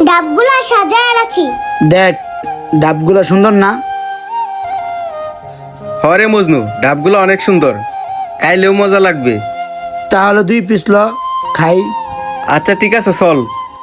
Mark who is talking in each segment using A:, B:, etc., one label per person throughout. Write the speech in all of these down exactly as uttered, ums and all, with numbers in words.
A: ডাবগুলা সাজায় রাখি।
B: দেখ ডাবগুলো সুন্দর না?
C: হরে মজনু, ডাবগুলো অনেক সুন্দর, খাইলেও মজা লাগবে।
B: তাহলে দুই পিস ল, খাই।
C: আচ্ছা ঠিক আছে চল।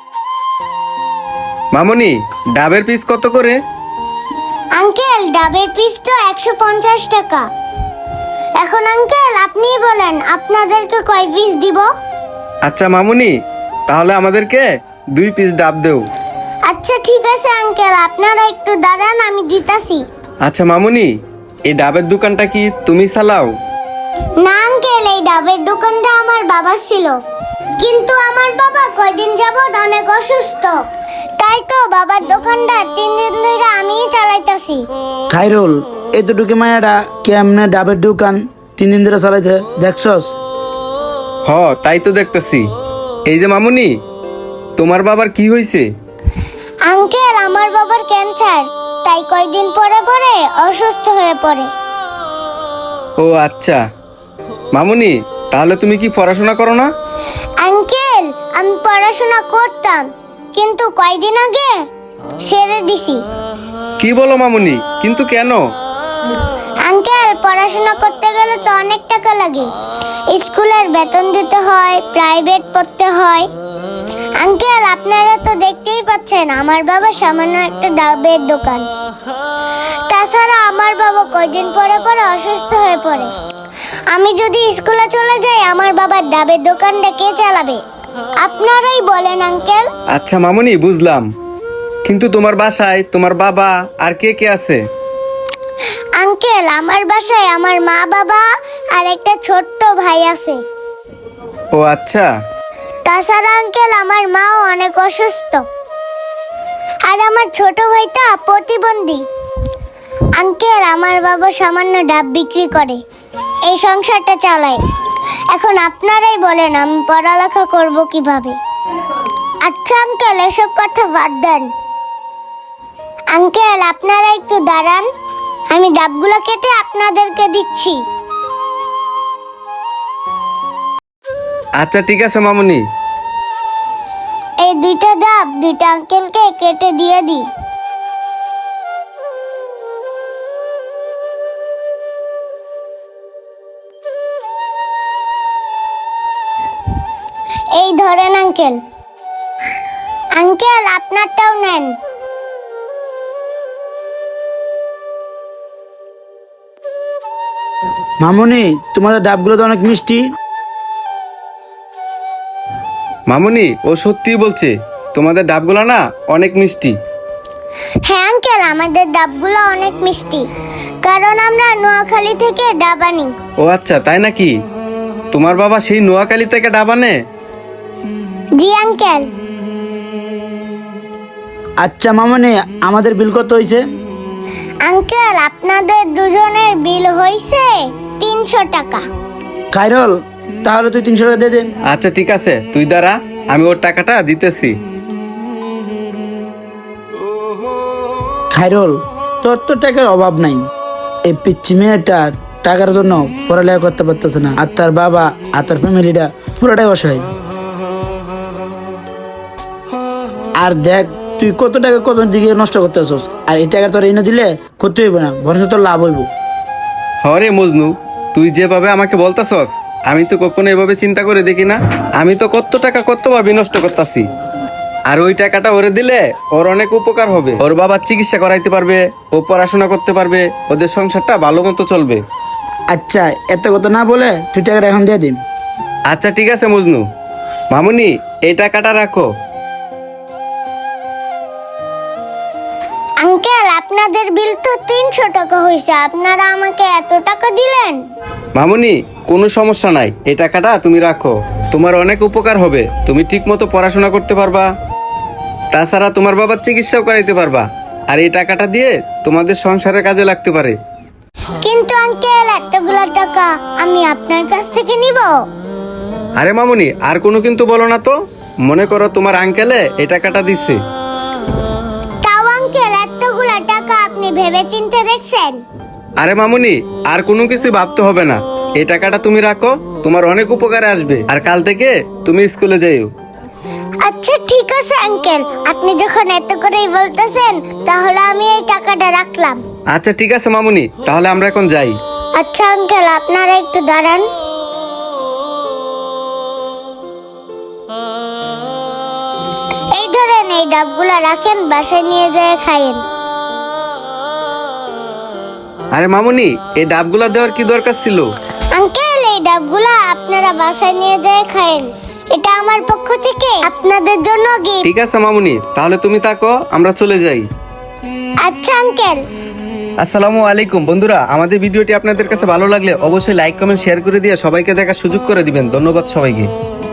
C: মামুনি, ডাবের পিস কত করে?
A: আঙ্কেল ডাবের পিস তো একশো পঞ্চাশ টাকা। এখন আঙ্কেল আপনিই বলেন আপনাদেরকে কয় পিস দিব?
C: আচ্ছা মামুনি, তাহলে আমাদেরকে দুই পিস ডাব দেও।
A: আচ্ছা ঠিক আছে আঙ্কেল, আপনারা একটু দাঁড়ান, আমি দিতাছি।
C: আচ্ছা মামুনি, এই ডাবের দোকানটা কি তুমি চালাও?
A: না আঙ্কেল, এই ডাবের দোকানটা আমার বাবা ছিল, কিন্তু আমার বাবা কয়দিন যাবত অনেক অসুস্থ, তাই তো বাবার দোকানটা তিন দিন ধরে আমিই চালাইতাছি।
B: খাইরুল, এতটুকু মায়াটা কেমনে ডাবের দোকান তিন দিন ধরে চালাইতে দেখছস?
C: হ তাই তো দেখতেছি। এই যে মামুনি, তোমার বাবার কি হয়েছে?
A: আঙ্কেল আমার বাবার ক্যান্সার, তাই কয়দিন পরে পরে অসুস্থ হয়ে পড়ে।
C: ও আচ্ছা। মামুনি, তাহলে তুমি কি পড়াশোনা করো না?
A: আঙ্কেল আমি পড়াশোনা করতাম, কিন্তু কয়দিন আগে ছেড়ে দিছি।
C: কি বলো মামুনি, কিন্তু কেন?
A: আঙ্কেল পড়াশোনা করতে গেলে তো অনেক টাকা লাগে, স্কুলের বেতন দিতে হয়, প্রাইভেট পড়তে হয়। আঙ্কেল আপনারা তো দেখতেই পাচ্ছেন আমার বাবা সামান্য একটা ডাবের দোকান, তাছাড়া আমার বাবা কয়দিন পরে পরে অসুস্থ হয়ে পড়ে। আমি যদি স্কুলে চলে যাই আমার বাবার ডাবের দোকানটা কে চালাবে? আপনারাই বলেন আঙ্কেল।
C: আচ্ছা মামুনি, বুঝলাম, কিন্তু তোমার বাসায় তোমার বাবা আর কে কে আছে?
A: আঙ্কেল আমার বাসায় আমার মা বাবা আর একটা ছোট্ট ভাই আছে।
C: ও আচ্ছা।
A: তাছাড়া আঙ্কেল আমার মাও অনেক অসুস্থ, আর আমার ছোট ভাইটা প্রতিবন্ধী। আঙ্কেল আমার বাবা সামান্য ডাব বিক্রি করে এই সংসারটা চালায়। এখন আপনারাই বলেন আমি পড়ালেখা করব কিভাবে? আচ্ছা আঙ্কেল এসব কথা বাদ দেন। আঙ্কেল আপনারা একটু দাঁড়ান, আমি ডাবগুলো কেটে আপনাদেরকে দিচ্ছি।
C: আচ্ছা ঠিক আছে মামুনি।
A: এই দুইটা ডাব দুইটা আঙ্কেলকে কেটে দিয়ে দিই। এই ধরেন আঙ্কেল। আঙ্কেল আপনারটাও নেন।
B: মামুনি, তোমাদের ডাবগুলো তো অনেক মিষ্টি।
C: মামুনি, ও সত্যিই বলছে, তোমাদের ডাবগুলো না অনেক মিষ্টি।
A: হ্যাঁ আঙ্কেল আমাদের ডাবগুলো অনেক মিষ্টি, কারণ আমরা নোয়াখালী থেকে ডাব আনি।
C: ও আচ্ছা, তাই নাকি? তোমার বাবা সেই নোয়াখালী থেকে ডাব আনে?
A: জি আঙ্কেল।
B: আচ্ছা মামুনি, আমাদের বিল কত হয়েছে?
A: আঙ্কেল আপনাদের দুজনের বিল হয়েছে তিনশো টাকা।
B: খাইরুল, তাহলে তুই তিনশো টাকা দিয়ে দে।
C: আচ্ছা ঠিক আছে, তুই দাঁড়া, আমি ওর টাকাটা দিতেছি।
B: খাইরুল, তোর তো টাকার অভাব নাই। এই পিচ্ছি মেয়েটা টাকার জন্য পড়ালেখা করতে পারতেছে না, আর তার বাবা আর তার ফ্যামিলিটা পুরোটাই অসহায়। আর দেখ তুই কত টাকা কত দিকে নষ্ট করতেছস, আর এই টাকা তোর এনে দিলে ক্ষতি হইব না, বরঞ্চ তোর লাভ হইব।
C: হরে মজনু, তুই যেভাবে আমাকে বলতাছস আমি তো কখনো এভাবে চিন্তা করে দেখি না। আমি তো কত টাকা কত ভাবে নষ্ট করতেছি, আর ওই টাকাটা ওরে দিলে ওর অনেক উপকার হবে। ওর বাবার চিকিৎসা করাইতে পারবে, ও পড়াশোনা করতে পারবে, ওদের সংসারটা ভালো মতো চলবে।
B: আচ্ছা এত কথা না বলে তুই টাকাটা এখন দিয়ে দিন।
C: আচ্ছা ঠিক আছে মজনু। মামুনি, এই টাকাটা রাখো।
A: আঙ্কেল আপনাদের বিল তো তিনশো টাকা হয়েছে, আপনারা আমাকে এত টাকা দিলেন।
C: মামুনি, কোনো সমস্যা নাই, এই টাকাটা তুমি রাখো, তোমার অনেক উপকার হবে, তুমি ঠিক মতো পড়াশোনা করতে পারবা, তাছাড়া তোমার বাবার চিকিৎসাও করাইতে পারবা, আর এই টাকাটা দিয়ে তোমাদের সংসারের কাজে লাগতে পারে।
A: কিন্তু আঙ্কেল এতগুলা টাকা আমি আপনার কাছ থেকে নিব?
C: আরে মামুনি, আর কোনো কিন্তু বলো না তো, মনে করো তোমার আঙ্কেলে এই টাকাটা দিচ্ছে।
A: তাও আঙ্কেল এতগুলা টাকা আপনি ভেবে চিন্তে দেখছেন?
C: আরে মামুনি, আর কোনো কিছু ভাবতে হবে না, এই টাকাটা তুমি রাখো, তোমার অনেক উপকারে আসবে, আর কাল থেকে তুমি স্কুলে যাইও।
A: আচ্ছা ঠিক ঠিক আছে আঙ্কেল, আপনি যখন এত করেই বলতেছেন তাহলে আমি এই টাকাটা রাখলাম।
C: আচ্ছা ঠিক আছে মামুনি, তাহলে আমরা এখন যাই।
A: আচ্ছা আঙ্কেল, আপনারা একটু দাঁড়ান। এই ধরেন, এই ডাবগুলা রাখেন, বাসায় নিয়ে যায় খাইয়েন।
C: আরে মামুনি, এই ডাবগুলা দেওয়ার কি দরকার ছিল?
A: আঙ্কেল, এই ডাবগুলা আপনারা বাসায় নিয়ে যায় খায়েন, এটা আমার পক্ষ থেকে আপনাদের জন্য গিফট।
C: ঠিক আছে মামুনি, তাহলে তুমি থাকো, আমরা চলে যাই।
A: আচ্ছা আঙ্কেল।
C: আসসালামু আলাইকুম বন্ধুরা, আমাদের ভিডিওটি আপনাদের কাছে ভালো লাগলে অবশ্যই লাইক কমেন্ট শেয়ার করে দিয়ে সবাইকে দেখার সুযোগ করে দিবেন। ধন্যবাদ সবাইকে।